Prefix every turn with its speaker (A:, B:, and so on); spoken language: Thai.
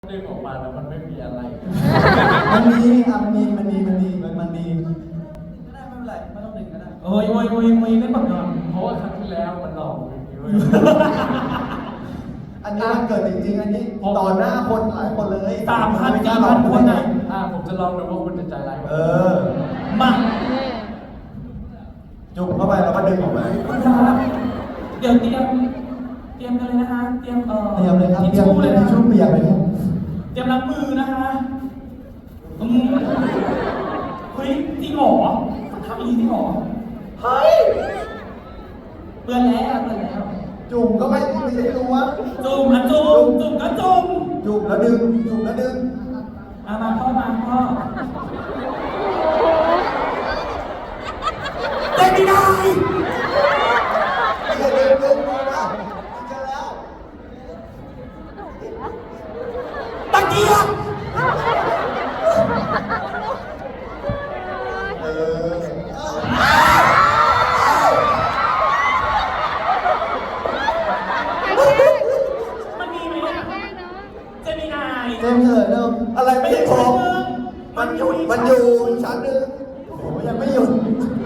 A: ดึงออกมาแล้วมันไม่มีอะไร
B: มันมีครับมันดีก็ได้ไม่เป็นไรไม่ต้องดึงก็ได้
C: โอ้ยเล่นแบบนั้น
A: เพราะว่าครั้งที่แล้วมันหลอกอย่างนี้เว้ย
B: อันนี้มันเกิดจริงๆอันนี้ต่อหน้าคนหลายคนเลย
C: 3,000-4,000 คนอ่ะ
A: ผมจะลองดูว่าคุณจะใจร้ายกว่า
C: มา
B: จุ่มเข้าไปแล้วก็ดึงออกมา
C: คุณครับเดี๋ยวเตรียมกันเลยนะคะเตรียม
B: เลยครับ
C: ทิช
B: เตรียม
C: ชู่เลยนะ
B: ทิชชู่เปียกเลยครับ
C: เตรียมล้างมือนะคะเฮ้ยจริงเหรอทำอย่างนี้จริงเหรอเฮ้ยเปื้อนแล้ว
B: จุ่มก็ไม่ใช่รู้ว่า
C: จุ่มก็จุ่ม
B: จุ่มแล้วดึง
C: มาพ่อเต้นไม่ได้
B: ดึงมาแล้วจะแล้ว
C: ตะเกียบมันมีไหมเนี่ยเจมินาย
B: เจมส์เถิดเดิมอะไรไม่ใช่ผม
C: มันอยู่
B: ชั้นหนึ่งโอ้ยังไม่หยุด